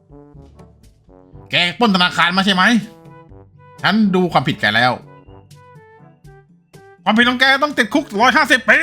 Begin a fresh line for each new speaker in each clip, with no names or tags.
แกปล้นธนาคารมาใช่ไหมฉันดูความผิดแกแล้วความผิดของแกต้องติดคุก150 ปี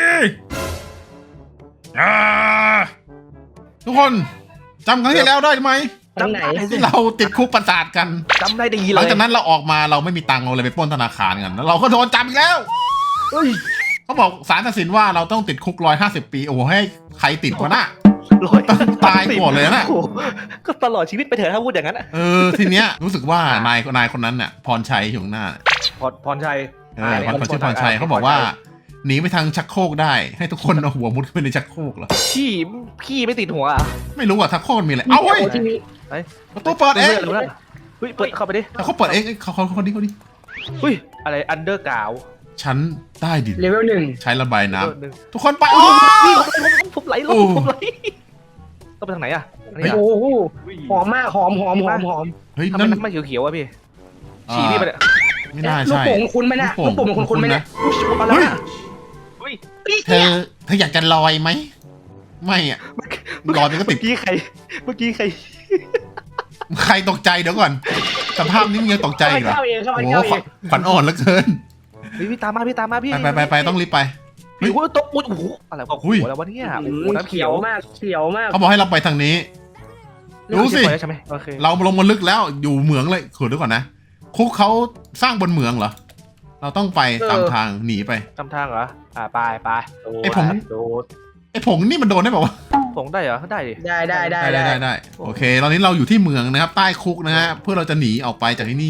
ทุกคนจำครั้งที่แล้วได้ไหม
จำไหน
ที่เราติดคุกประสาทกัน
จำได้ดีเลย
หลังจากนั้นเราออกมาเราไม่มีตังค์เราเลยไปปล้นธนาคารกันแล้วเราก็โดนจับอีกแล้ว
เฮ้ย
เขาบอกศาลตัดสินว่าเราต้องติดคุก150 ปีโอ้โหให้ใครติดวะน่ะ ตายก่อนเลยนะ
โอ้โหก็ตลอดชีวิตไปเถอะถ้าพูดอย่างนั้นอะ
ทีเนี้ยรู้สึกว่านายคนนั้นน่ะพรชัยอยู่ข้างหน้า
พรชัย
เขาชื่อพรชัยเขาบอกว่าหนีไปทางชักโครกได้ให้ทุกคนเอาหัวมุดเข้าไปในชักโครกเหรอ
พี่ไม่ติดหัวอ่ะ
ไม่รู้ว่าชักโครกมันมีอะไรเอ้าเฮ้ย
ที่นี่
ประตูเปิดเอง
เฮ้ยเปิดเข้าไปดิ
เขาเปิดเองเขาดิ
เฮ้ยอะไรอันเดอร์กาว
ชั้นใต้ดิน
เลเวล 1
ใช้ระบายน้ำทุกคนไป
ผมไหลลงผมไหลต้องไปทางไหนอ่ะ
โอ้โหหอมมากหอม
เฮ้ย
ทำไม
นั่น
น้ำมันเขียวๆวะพี่ฉี่พี่ไปเนี่ย
ไม่น่า
ลูก
ใช่
โป่งคุณไหมนะลูกโป่งคุณไหมนะ
อะไร
เฮ้ย
อ่ะเฮ้ย
เธออยากจะลอยไหมไม่อะลอยมันก็ติ
เมื่
ด
อกี้ใคร
ใครตกใจเดี๋ยวก่อนสภาพนี้มึงยังตกใจอีกเหรอ
เข้าเองเข้า
โอ้
เอง
โห
เข้าเอง
ขวัญอ่อนเหลือเกิน
พี่ตามมาพี่
ไปต้องรีบไป
โอ้โหตกโอ้โหอะไรโอ้โหแล้ววะเนี่ยโอ้โหน้ำ
เขี
เขี
ย
ยว ว
มากเขียวมาก
เขาบอกให้เราไปทางนี้ ดูสิ
ใช่ไหมโอเค
เราลงมาลึกแล้วอยู่เหมืองเลยขอดูก่อนนะคุกเขาสร้างบนเหมืองเหรอเราต้องไปตามทางหนีไป
จำทางเหรอไป
ไอ้ผม
โดด
ไอ้ผงนี่มันโดนได้ป่าวะ
ผงได้เหรอได้ดิ
ได้
โอเคตอนนี้เราอยู่ที่เหมืองนะครับใต้คุกนะฮะเพื่อเราจะหนีออกไปจากที่นี่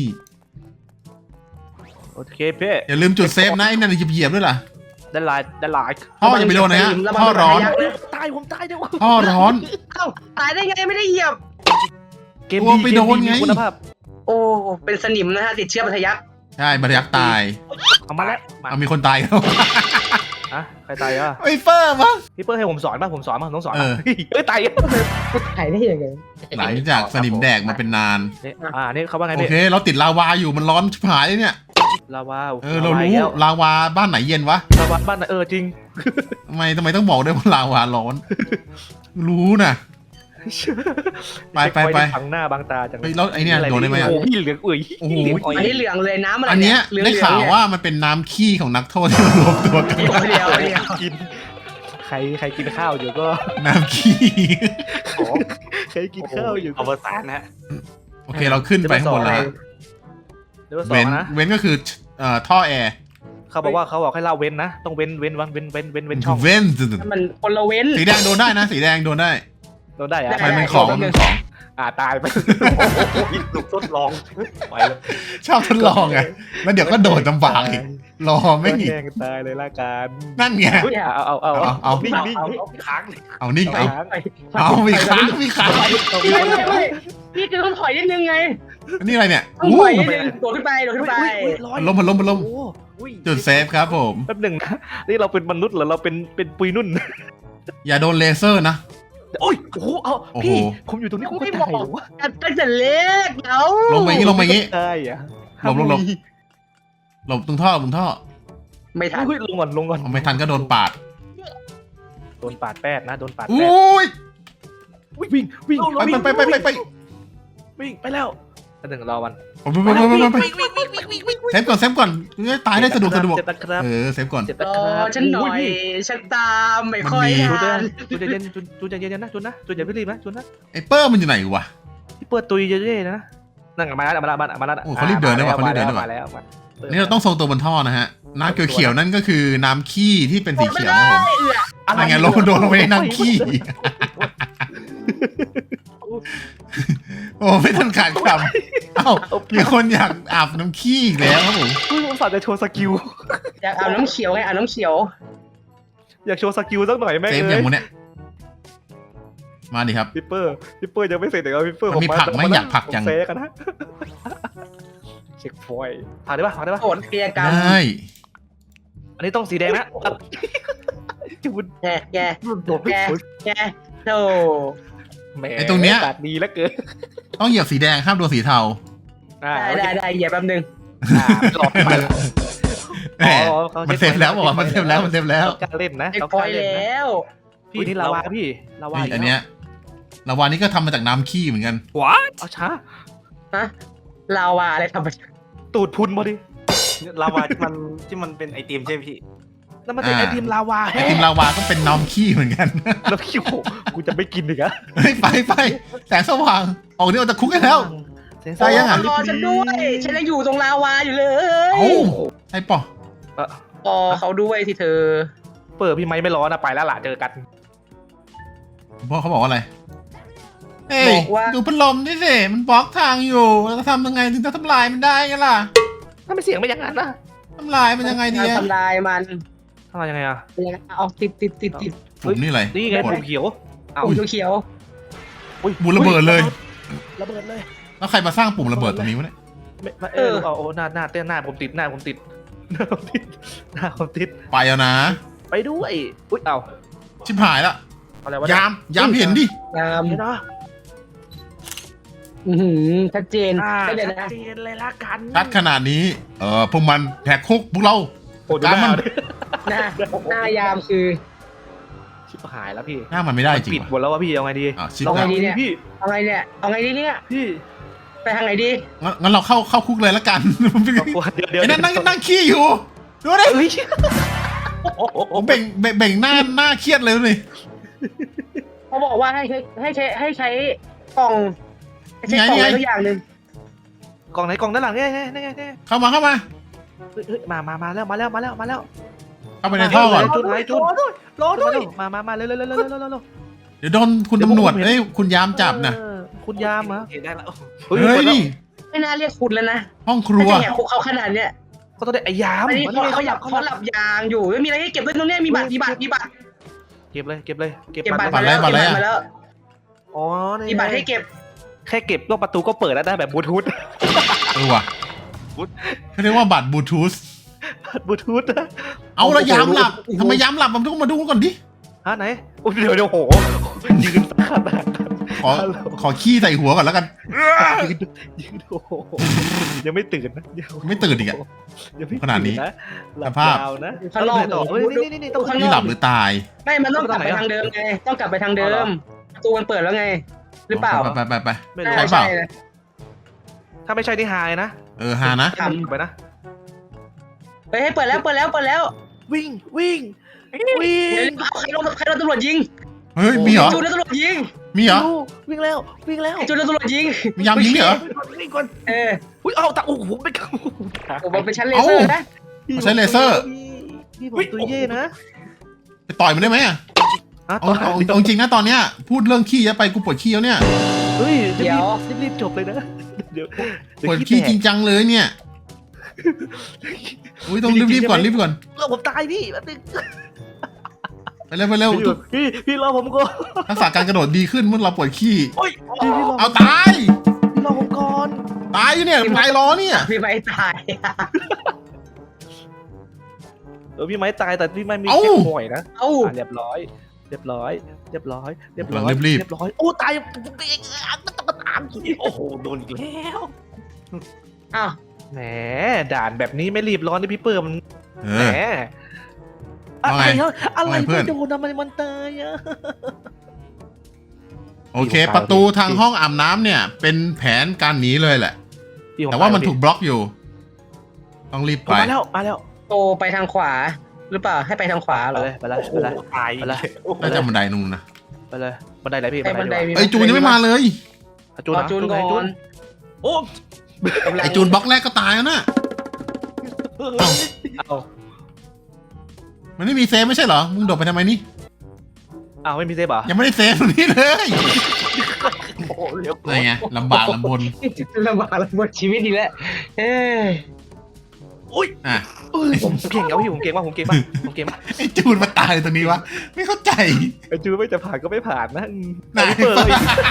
โอเคเพ่
อย่าลืมจุดเซฟนะไอ้นั่นเหยียบด้วยล่ะ
ได้ลาย
ท่ออย่าไปโดนนะฮะท่อร้อน
ผมตายเดี๋ยว
ท่อร้อน
เอ้าตายได้ไงไม่ได้เหยียบ
เกม
กลัวไปโดนไง
มีคุณภาพ
โอ้เป็นสนิมนะฮะติดเชื้อบัทยัก
ใช่บรรยักษ์ตาย
เอามาแล้วมา
เอามีคนตายแล้ว
อะใครตายอ่ะ
ไอ้เฟอร์มั้ง
พี่เปิ้ลให้ผมสอนป่ะผมสอนป่ะต้องสอน
เออ
เฮ้ยตาย
ถ่ายได้ยังไง
หลังจากสนิมแดกมาเป็นนาน
นี่เขาว่าไง
โอ
พี่
เค เราติดลาวาอยู่มันร้อนชิบหายเลยเนี่ย
ลาวา
เรารู้ลาวาบ้านไหนเย็นวะ
ลาวาบ้านจริง
ทำไมต้องบอกด้วยว่าลาวาร้อน รู้นะ ไป
บังหน้าบังตาจัง
เฮ้ยแล้วไอเนี่ยโดนได้ไหมอ่ะ
โอ้พี่เหลืองอุ้ย
โอ้โห
อันนี้เหลืองเลยน้ำอะไร
อันเนี้ย
เหลือง
ได้ข่าวว่ามันเป็นน้ำขี้ของนักโทษที่มารวมตัวกัน
เดียว
กินใครกินข้าวอยู่ก็
น้ำขี้
ใครกินข้าวอยู่
อวสานนะฮะ
โอเคเราขึ้นไปข้างบนแล้ว
เดี๋ยวสอ
เว้
ง
น
นะ
เว้นก็คือท่อแอร์
เขาบอกให้เราเว้นนะต้องเว้นช่อง
เว้น
มันคนละเว้น
สีแดงโดนได้นะสีแดงโดนได้
โดนได้อะ
มันเป็นของมันเป็นของ
ตายไป
ถูกทดลองไปแล้ว
ชอบทดลองไงแล้วเดี๋ยวก็โดดลำบากอีกรอไม่อีก
แย่งตายเลยละกัน
นั่นไง
เอานิ่ง
ค้างเลย
เอานิ่ง
ไป
เอามีค้างมีค้าง
ไม่พี่คือต้องถอยนิดนึงไง
นี่อะไรเนี่ย
ต้องถอยนิดนึงโดดขึ้นไป
มันล้มจุดเซฟครับผม
แป๊บหนึ่งนะนี่เราเป็นมนุษย์หรือเราเป็นปุยนุ่น
อย่าโดนเลเซอร์นะ
โอ้ยโอ้โหเอา
โอ้โห
พี่ผมอยู่ตรงนี้ผมก็ตายเหรอวะ
ตั้งแต่เล็กเนาะ
ลงมาอย่างนี้
ตายอ่ะ
หลบตรงท่อ
ไม่ทัน
เฮ้ยลงก่อน
ไม่ทันก็โดนปาด
โดนปาดแป้ดนะโดนปาดแป้ด
อุ้ย
วิ่ง
ไป
วิ่งไปแล้วแป๊บหนึ่งรอมัน
ไปเซฟก่อนตายได้สะดวก
เจ็บนะครับ
เซฟก่อน
เจ็บ
ร
นะ
อ
ครับ
ฉันหน่อยฉันตามไม่ค่อยทัน
จุนใจเย็นจุนใจเย็นนะจุนอย่าเพิ่งรีบนะจุนนะ
ไอ้เปอร์มันอยู่ไหนวะ
ที่เปิดตุยเยอะๆนะนั่งมาแล้ว
โอ้เขารีบเดินได้ว่ะเขารีบเดินได้ว่ะ
มาแล้ว
นี่เราต้องทรงตัวบนท่อนะฮะน้ำเขียวๆนั่นก็คือน้ำขี้ที่เป็นสีเขียวนะผมอะไรเงี้ยโดนลงไปในน้ำขี้โอ้ไม่ทันขาดคำเอ้ามีคนอยากอาบน้ำขี้อีกแล้วครับผม
ผมฝากจะโชว์สกิล
อยากเอาน้ำเขียวไงเอาน้ำเขียว
อยากโชว์สกิลสักหน่อยแม่ง
เซฟอย่างมูเนี่ยมาดิครับ
พี่เปอร์ยังไม่เสร็จแต่ว่าพี่เปอร์
มันมีผักไหมอยากผักจัง
เซกันนะเช็คฟอยผ่านได้ปะ
โหดเกียร์กรรม
ได้
อันนี้ต้องสีแดงนะจุน
แกโธ่
ไอ้ตรงเนี้ย
ตัดดีแล้วเกิน
ต้องเหยียบสีแดงห้ามโดนสีเทา
ได้เหยียบแป๊บนึง
หลอกไป
แหมมันเซฟแล้วบอกว่ามันเซฟแล้ว
การเล่นนะ
ไอ้คอยแล้ว
พี่นี่ลาวาพี่ลาวา
อันเนี้ยลาวานี่ก็ทำมาจากน้ำขี้เหมือนกัน
เอาช้า
ฮะลาวาอะไรทำไป
ตูดพุนพอดี
ลาวาที่มันเป็นไอติมใช่ไหมพี่
แล้วมันเป็นไอติมลาวา
ไอติมลาวาก็เป็นน้ำขี้เหมือนกัน
แล้วพี่โหกูจะไม่กินอีกอะ
เฮ้ยไปแสงสว่างออกนี่ออกจากคุกกันแล้ว ได้ยังอะ
รอฉันด้วยฉันยังอยู่ตรงลาวาอยู่เลย
เอ้าไอ้ปอ
รอเขาด้วยที่เธอ
เปิดพี่ไม้ไม่ร้อนนะไปแล้วล่ะเจอกัน
พ่อเขาบอกว่าอะไรเฮ้ย
บอกว่า
ดูพัดลมนี่สิมันบล็อกทางอยู่เราจะทำยังไงถึงจะทำลายมันได้กันล่ะ
ถ้าไม่เสียงไม่อย่างนั้นนะ
ทำลายมันยังไงดี
ทำลายมัน
ทำไมยังไงอะ
เอาติด
ฝุ่นนี่อะไร
นี่ไง
กด
ผมเขียว เอา
ปุ่มเขียว
บุญระเบิดเลย
ระเบิดเลย
แล้วใครมาสร้างปุ่มระเบิดตรงนี้วะเนี่ย
ไม่เอาหน้าเต้นหน้าผมติดหน้าผมติดหน้าผมติด
ไปแล้วนะ
ไปด้วยอุ้ยเอา
ชิบหายละ
อะไรวะ
ยามเห็นดิ
งาม
เดี๋ยวนะ
ชัดเจน
ชั
ได้
ด
เลยนะ
เจนเลยละกัน
ชัดขนาดนี้พวกมันแหกคุกพวกเรา
โอ้ดู
ตามมัน
หน้ายามคือ
ชิบหายแล้วพี่
หน้ามันไม่ได้จริง
ปิดหม
ว่ะ
ดแล้วว่าพี่เอาไงดี
ชิบ
เอา
หา
ไง
ย
ดีเนี่ย
พี่
เอาไงเนี่ยเอาไงดีเนี่ย
พี่
ไปทางไหนดี
งั้นเราเข้าคุกเลยละกัน
เดี๋ยว
ไอ้นั่นนั่งขี้อยู่ดูดิ
เฮ้ย
ผมเบ่งหน้าเครียดเลยนี่
เขาบอกว่าให้ใช้กล่องให้ใช้กล่องอะไรสักอย่างหนึ่ง
กล่องไหนกล่องด้านหลังเนี่ยนี่ไง
เข้ามา
เฮ้ยมาแล้ว
เข้าไปในท่อก่อน
จุดไหนจุด
รอด้วย
มาเร็ว
เดี๋ยวโดนคุณตำรวจคุณยามจับนะ
คุณยามเหรอ
เห็นได้แล้ว
เฮ้ย
ไม่น่าเรียกคุณแล้วนะ
ห้องครัว
ถ้าจะแหกคุกเขาขนาดเนี้ย
ก็ต้องได้ไอ้ยาม
อันนี้เขาหลับยางอยู่ไม่มีอะไรให้เก็บด้วยตรงเนี้ยมีบัตร
เก็บเลยเก็บ
บัตร
บัตรอะไร
มาแล้ว
อ๋อ
มีบัตรให้เก็บ
แค่เก็บก็ประตูก็เปิดแล้วได้แบบบลูทูธ
ว่ะเขาเรียกว่าบัตรบลูทูธ
บลูทูธ
เอาละยามหลับทำไมยามหลับมันต้องมาดูก่อนดิ
ฮะไหนเดี๋ยวโหยืนขนาด
ขอขี้ใส่หัวก่อนแล้วกัน
ยืนโอ้โหยังไม่ตื่นนะ
ไม่ตื่นอีกอะ ขนาดนี้
หลับ
สภาพ
ยาวนะ
ข้างนอก
เฮ้ยนี่ต้อง
นี่หลับหรือตาย
ไม่มันต้องกลับไปทางเดิมไงต้องกลับไปทางเดิมประตูมันเปิดแล้วไง หรือเปล่า
ไป
ไม่รู้
ใช่เปล่า
นะ
ถ้าไม่ใช่นี่หายนะ
ฮานะ
ทำ
ไปนะ
เฮ้ยเปิดแล้ว
วิ่ง
เดี๋ยวใครโดนตำรวจยิง
เฮ้ยมีเหรอ
จูนโดนตำรวจยิง
มีเหรอ
วิ่งแล้ว
ไอ้จูนโดนตำรวจยิง
มียามยิงเหรอ
วิ่งก่อน
อุ้ย
เอาตาโอ้โหไม่กล้า
ผมเป็นชั้นเลเซอร์นะ
ใช้เลเซอร์
พี่ผมตัวเย่นะ
ไปต่อยมันได้ไหมเอาจริงนะตอนเนี้ยพูดเรื่องขี้เยอะไปกูปวดขี้แล้วเนี่ย
เฮ้ยรีบจบเลยนะเดี๋ยว
ปวดขี้จริงจังเลยเนี่ยอุ้ยต้องรีบก่อน
เราผมตายพี่แป๊บนึง
ไปเร็ว
พี่รอผมก่อน
ทักษะการกระโดดดีขึ้นเมื่อเราปวดขี้
พี่รอ
เอาตาย
พี่รอผมก่อน
ตายอยู่เนี่ยตายล้อเนี่ย
พี่ไม่ตาย
พี่ไม้ตายแต่พี่ไม้มี
เอ้า
แค่ห่วยนะ
เอ้า
เรียบร้อยโอ้ตายต้องตาม
โอ้โหโดนอีกแล้ว
อ้าว
แหมด่านแบบนี้ไม่รีบร้อนที่พี่เปิ่ม
เอ
แหม
อ
อะไรอะไร
ว่าไงเพื่อน
ไม่โดนทำไมมันตายอะ
โอเค ประตูทางห้องอาบน้ำเนี่ย เป็นแผนการหนีเลยแหละ แต่ว่ามันถูกบล็อกอยู่ ต้องรีบไป
มาแล้ว
โตไปทางขวา หรือเปล่าให้ไปทางขวาเหรอ
ไปเลย
ตาย
น่าจะบันไดนู่นนะ
ไปเลยบันไดไหนพี่
ไอ้บันไดมี
ไอจูนยังไม่มาเลย
จูน
รอจูนก่อน
โอ้
ไอจูนบล็อกแรกก็ตายแล้วนะ
เอา
มันไม่มีเซฟไม่ใช่เหรอ มึงโดดไปทำไมนี่
เอาไม่มีเซฟเหรอ
ยังไม่ได้เซฟตรงนี้เลย
โหเดี๋ยว
อะไรไงลำบากลำบน
ลำบากลำบนชีวิตอีกแล้ว
อ่ะ
ผมเก่งเอาพี่ผมเก่งมาก
ไอจูนมาตายตรงนี้วะ ไม่เข้าใจ
ไอจูนไม่จะผ่านก็ไม่ผ่านนะ
ไหน
เปิดเลย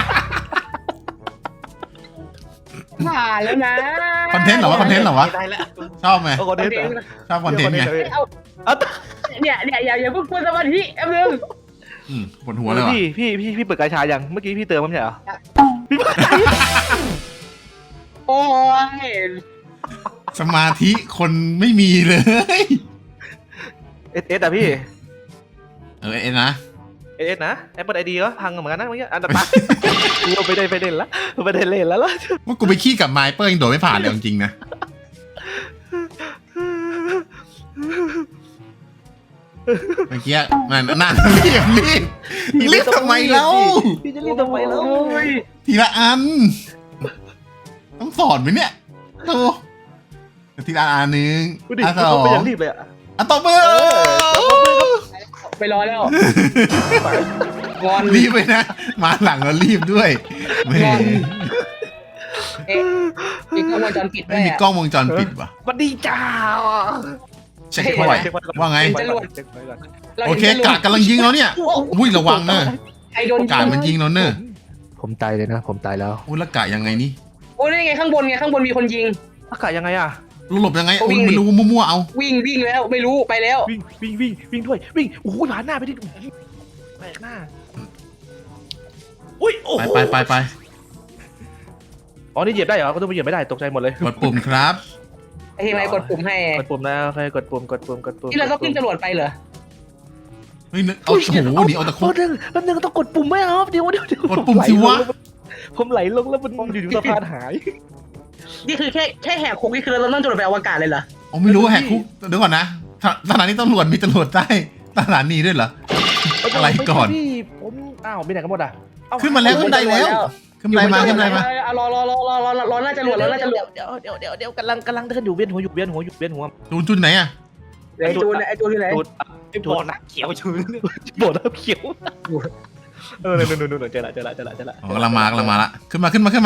ผ่านแล้วนะ
คอนเทนต์เหรอวะ
ได้แล้ว
ชอบไหม
โอ้โหเด็ด
ชอบคอนเทนต์ไง
เนี่ยอย่าเพิ่งพูดสมาธิแป๊บนึง
ปวดหัวเลยว่ะ
พี่เปิดกาชายังเมื่อกี้พี่เติมมั้ยเหรอ
โอ้ย
สมาธิคนไม่มีเลย
เอสอะพี่
เอ็นนะ
เอสนะ Apple ID ก็พังเหมือนกันนะเมื่อกี้อันดับกูไม่ได้ไปเล่นละไม่ได้เล่นแล้วล่ะ
ว่ากูไปขี้กับไมเปอร์ยังโดดไม่ผ่านเลยจริงๆนะเมื่อกี้นั่นรีบทำไมเล่า
พี่จะรีบทำไมแล้ว
ทีละอัน ต้องสอนไหมเนี่ยโตทีละอันนึง
ดูดิ
อันสอ
เขาไป
ง
อย่างรีบเลยอ่ะ
อันต่อมือ
ไปรอแล้วงอน
รีบไปนะ มาหลังแล้วรีบด้วยแหม
เอ๊ะมีกล้องวงจรปิดด้
ไม่
วย
มี
อะ
กล้องวงจรปิดว่ะ
มันดีจ้า
เช็คเข้าไปว่าไง
เป็นจรวด
โอเคกาดกำลังยิงแล้วเนี่ยอุ้ยระวังเนอะ
ใครโดน
กาดมันยิงแล้วเนอะ
ผมตายเลยนะผมตายแล้ว
อุ้ยแล้วกาดยังไงนี่
โอ้ยนี่ไงข้างบนมีคนยิง
อากาศยังไงอ่ะ
หลบยังไง
ก็วิ่
อุ้ย
ง
ไม่รู้มั่วๆเอา
วิ่งแล้วไม่รู้ไปแล้ว
วิ่งด้วยวิ่งโอ้ยผ่านหน้าไปดิแปลกหน้า
อุ้ยโอ้โห
ไป
อ๋อนี่เหยียบได้เหรอก็ต้องไปเหยียบไม่ได้ตกใจหมดเลย
กดปุ่มครับ
ไอ้ทีมไอ้กดปุ่มให้
กดปุ่มนะโอเคกดปุ่ม
ที่เราต้องขึ้นจรวดไปเหรอ
เฮ้ยเอาโอ้โหหนีเอาตะคุ
แป๊บนึงต้องกดปุ่มไหมครับเดี๋ยว
กดปุ่มสิวะ
ผมไหลลงแล้วมันอยู่สะพานหาย
นี่คือแค่แหกคุกนี่คือเราต้องจรวดไปอวกาศเลยเหรอ
อ๋อไม่รู้ว่าแหกคุกเดี๋ยวก่อนนะสถานีตำรวจมีตำรวจใต้สถานีด้วยเหรอ อะไรก่อน
ผมอ้าวไปไหนกันหมดอ่ะ
ขึ้นมาแล้วขึ้นไดแล้วขึ้นไดมา
รอหน้าจรวด
เดี๋ยวกำลังเดินอยู่เวียนหัว
จุนไหนอะ
ไอ้จูนที่ไหน
จุด
ไอ้บอลนักเขียวชื้น
โบดเขียวนู่นเจอละ
อ๋อกำลังมาละขึ้นมา
เจอละขึ้น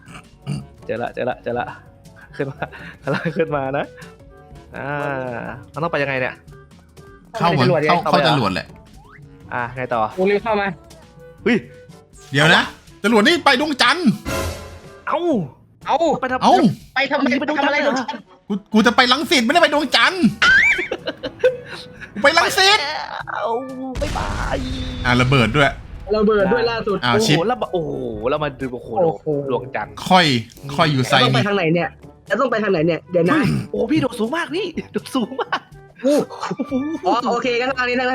มานะมันต้องไปยังไงเนี่ย
เข้าจรวดแหละ
ไงต่อ
กูรีบเข้ามา
เฮ้ย
เดี๋ยวนะจรวดนี่ไปดวงจันทร์
เอ้า
เอา
ไปทำ
เอ้า
ไปทำอะไรโดนชัน
กูจะไปลังสิตไม่ได้ไปดวงจันทร์กูไปลังสิต
เอาบ๊ายบาย
ระเบิดด้วย
เราเบิดด้วยล่าสุด
อ้าวชิป
แล้วมาดูโอ้โหดวงจันทร์
ค่อยอยู่ไซ
ต้องไป
นี่
ทางไหนเนี่ยจะต้องไปทางไหนเนี่ยเดี๋ยวนะ
โอ้พี่โดดสูงมากพี่โดดสูงมาก
อ๋อโอเคกันทางนี้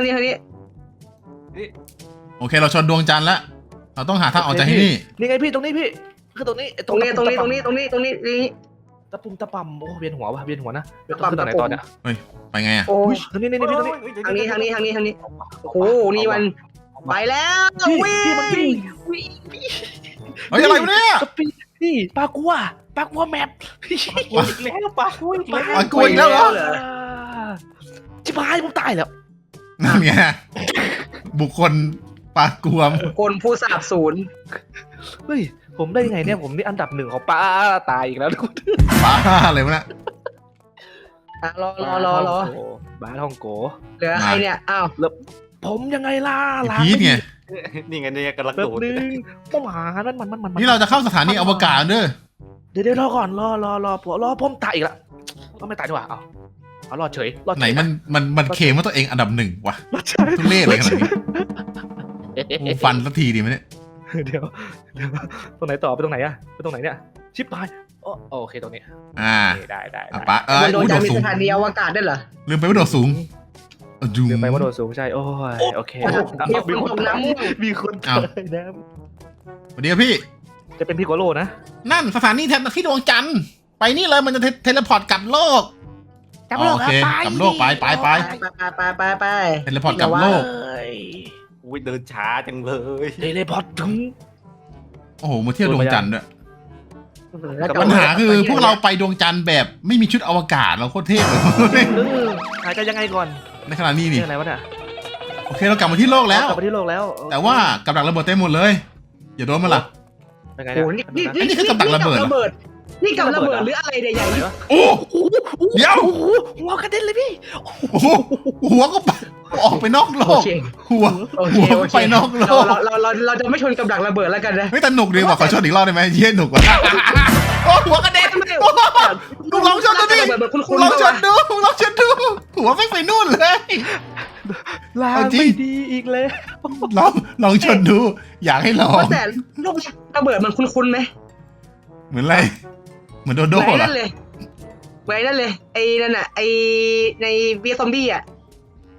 โอเคเราชนดวงจันทร์แล้วเราต้องหาทางออกจากที่นี่
นี่ไงพี่ตรงนี้พี่คือตรงนี้
ตรงนี้
ตะปุ่มตะปั่มโอ้เวียนหัวว่ะเวียนหัวนะเวียนหัวขึ้นตอนไหนตอนเนี้ย
ไปไงอะ
โอ้ย
ตรงนี้พี่ตรงนี้
ทางนี้โอ้โหนี่มันไปแล้ววิ่ง
พี่มันวิ่ง
เฮ้ยอะไรวะเนี่ย
พี่ปลากัวแมปพี่
แล้วปะอุ้ย
ปลากัวอีกแล้วเหรอ
ชิบหายผมตายแล้ว
นั่นไงบุคคลปลากวม
คนผู้สาบสูญ
เฮ้ยผมได้ยังไงเนี่ยผมนี่อันดับ1ของป้าตายอีกแล้วทุกคน
บ้าอะไรวะเนี่ย
รอ
บ้าทองโก
เหลือใครเนี่ยอ้าว
ผมยังไงล่ะ
พีทไง
นี่ไงเนี่ยกำลัง
แป๊
โด
บ
ด
นึงต้องหามัน
นี่เราจะเข้าสถานีอวกาศเด้อ
เดี๋ยวรอก่อนรอผมตายอีกแล้วไม่ตายดีกว่าเอารอดเฉย
ไหนมันเคลมว่าตัวเองอันดับ1วะ
รอดเฉย
ทุเรศเลยขนาดนี้กูฟันสักทีดีไหมเนี่ย
เดี๋ยวตรงไหนต่อไปตรงไหนอะไปตรงไหนเนี่ยชิปตายโอเคตรงนี้ ได้
ปะ
มันโดน
โด
จะ
ด
มี
สู
ส
ง
ถานีอวกาศได้เหรอ
ลืมไปว่าโดดสูงดู
เดี๋ยวไปว่าโดดสูงใช่โอ้ยโอเค
มีคนตกน้ำ
มีคนตายนะ
สวัสดีครับพี่
จะเป็นพี่โกโลนะ
นั่นสถานีที่ดวงจันทร์ไปนี่เลยมันจะเทเลพอร์ตกลับโลกโอเคกลับโลกไป
ไป
เทเลพอร์ตกลับโลก
อุ้ยเดินช้าจังเลย
เทเลพอร์ตถึง
โอ้โหมาเที่ยวดวงจันทร์ด้วย
แล้ว
ปัญหาคือพวกเราไปดวงจันทร์แบบไม่มีชุดอวกาศเราโคตรเทพเลย
หายใจยังไงก่อน
ในขณะนี้นี่
อะไรวะเนี่ย
โอเคเรากลับมาที่โลกแล้ว
กลับมาที่โลกแล้ว
แต่ว่ากับดักระเบิดเต็มหมดเลย อย่าโดนมันล่ะ
เป็นไง
โอ้
เนี่ย
นี่กับระเบิดนี่กับระเบิดหรืออะไรใหญ่
โอ้เดี๋ยว
หัวกระเด็นเลยพี่
โอ้โหหัวก็ออกไปนอกโล
โอก เค
หัวไปนอกโลก
เราจะไม่ชนกับดักระเบิดแล้วกันนะ
ไม่แต่หนุกดีกว่าขอชนอีกรอบได้ไหมเยี่ยหนุกกว่าโอ้หัวกระเด็นกูลองชนดูดิกูลองชนดูหัวไม่ไปนู่นเลย
ลางไม่ดีอีกเลย
ลองชนดูอยากให้ลอง
แต่ลูกระเบิดมันคุ้นๆไหม
เหมือนอะไรเหมือนโดโด้
เหมือน
เหรอ
นั่นเลยไอ้นั่นน่ะไอ้ในเวียซอมบี้อ่ะ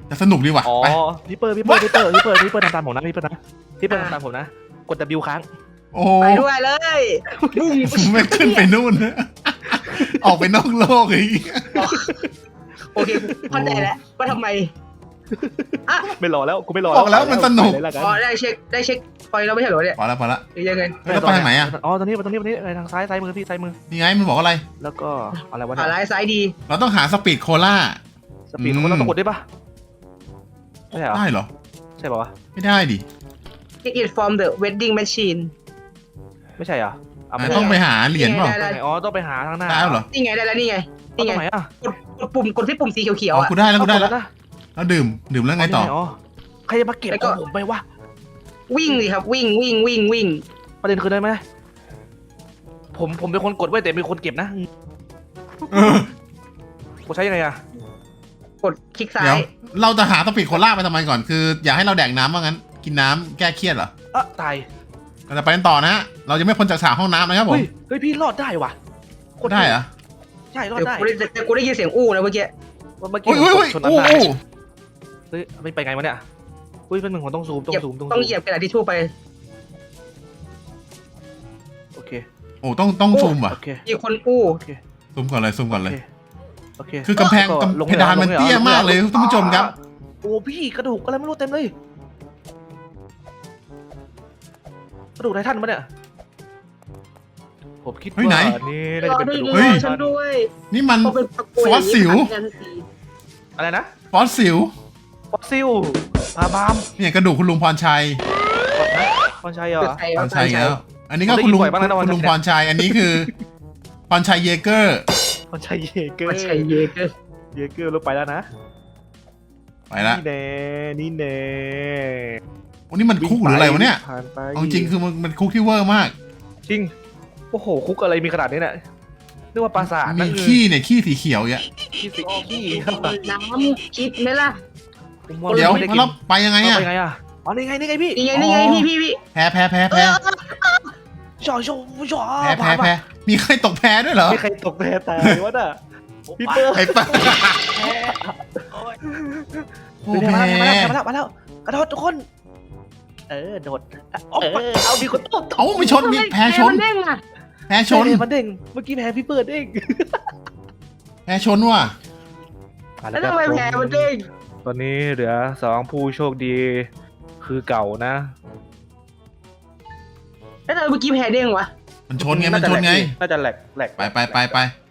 จะสนุกดีว่ะ
อ๋อ
ไป
พี่เปิร์ทำตามผมนะพี่เปิร์นะพี่เปิร์ทำตามผมนะกด W ค้าง
โอ้
ไปด้วยเลยบุ้ง
ไม่ขึ้นไปนู่น ออกไปนอกโลกอีก
โอเคเข้าใจแล้วว่าทำไม
ไม่รอแล้วกูไม่รอ
บอกแล้วมันสนุก
ไปเลยละกัน
อ๋อได้เช็คพอยเราไม่ใช่เหรอเนี่ย
พอละ
หรือยังไง
แล้วไปทางไหนอ่ะ
อ๋อตรงนี้ทางซ้ายมือพี่ซ้ายมือ
นี่ไงมันบอกอะไร
แล้วก็อะไรวะ
ขา
เนี่ย
ร้ายซ้ายดี
เราต้องหาสปีดโคล่า
สปีดของเราต้องกดได้ปะไม่ใช่เหรอ
ได้เหรอ
ใช่ป่าวะ
ไม่ได้ดิ
Take it from the vending machine
ไม่ใช่เหรอเอาไม่
ต้องไปหาเหรียญเปล่า
ได้
อ๋อต้องไปหาทางหน้า
ได้แล้วเหรอ
นี่ไงได้แล้วนี่ไง
เอาตรงไหนอ่ะ
กดที่ปุ่มสีเขียว
อ๋อ
ๆอ่ะ
กูได้แล้ว
นะ
แล้วดื่มแล้วไงต่อ
ใครจะมาเก็บของผมไปวะ
วิ่งเลยครับวิ่ง
ประเด็นคือได้ไหมผมเป็นคนกดไว้แต่เป็นคนเก็บนะ
เออ
กูใช้ยังไงอะ
กดคลิกซ้า
เดี๋ยวย เราจะหาสปีดโคล่าไปทำไมก่อน คืออยากให้เราแดกน้ำว่างั้น กินน้ำแก้เครียดเหรอ
ตาย
เราจะไปกันต่อนะฮะ เราจะไม่พ้นจากฉากห้องน้ำนะครับผม
เฮ้ยพี่รอดได้ว่ะ
ได้เหรอ
ใช่รอด
เดี๋ยว
ได้
กูได้ยินเสียงอู้นะเมื่อกี้
เมื่อกี้
อุ้ย
ชนนั้น
โอ้
ได้
โห
เฮ้ยไม่ไปไงวะเนี่ยอุ้ยเป็นหนึ่งของต้องซูม
ต้องเหยียบกระดาษทิชชู่ไป
โอเค
โอ้ต้องซูมอ่ะ
โอเค
มีคนอู้
ซูมก่อนเลยซูมก่อนเลย
โอเค
คือกำแพงเพดานมันเตี้ยมากเลยท่านผู้ชมครับ
โอ้พี่กระดูกอะไรไม่รู้เต็มเลยกระดูกไททันปะเนี่ยผมคิดว่านี่น่าจะเป็นกระดูก
เฮ้ย
ฉันด้วย
นี่มัน
เขาเป็นตะโกน
ฟอสซิล
อะไรนะ
ฟอสซิล
ฟอสซิลปลาบาม
เนี่ยกระดูกคุณลุงพรชัย
กดนะพรชัยเหรอ
พรชัยแล้ว อันนี้ก็คุณลุง
ผมได้ยินบ่อยบ้างนะ
คุณลุงพรชัย อันนี้คือพรชัยเยเกอร์
พรชัยเยเกอ
ไม่
ร์
ใช่เยเกอร์
เยเกอร์ลงไปแล้วนะ
ไปละ
นี่แน่
วันนี้มันคุกหรืออะไรวะเนี่ย
ผ่านไป
เอาจริงคือมันคุกที่เวอร์มาก
จริงโอ้โหคุกอะไรมีขนาดนี้เนี่ยนึกว่าปราสาท
มีขี้เนี่ยขี้สีเขียวอ่ะ
ขี้สิขี้
น้ำคิดไหมล่ะ
เดี๋ยวแล้วไปยังไงอ่ะ
ไปไงอ่ะอ๋อนี่ไงพี่
นี่ไงพี่
แพ้
จ่อ
แพ้ มีใครตกแพ้ด้วยเหรอ
ไม่ใครตกแพ้ตายวะน่ะพี่เปิ้ล
ไอ้ป้าโอ้
มา
แพ้
แล้วกระโดดทุกคนโดดเอามีคนตก
เอาไม่ชนมีแพ้ชน
มันเด้งอ่ะ
แพ้ชน
มันเด้งเมื่อกี้แพ้พี่เปิ้ลเด้ง
แพ้ชนว่ะ
แล้วทำไมแผลมันเด้ง
ตอนนี้เหลือ2ผู้โชคดีคือเก่านะ
แล้วทำไมเมื่อกี้แผลเด้งวะ
มันชนไง
น่าจะแหลก
ไป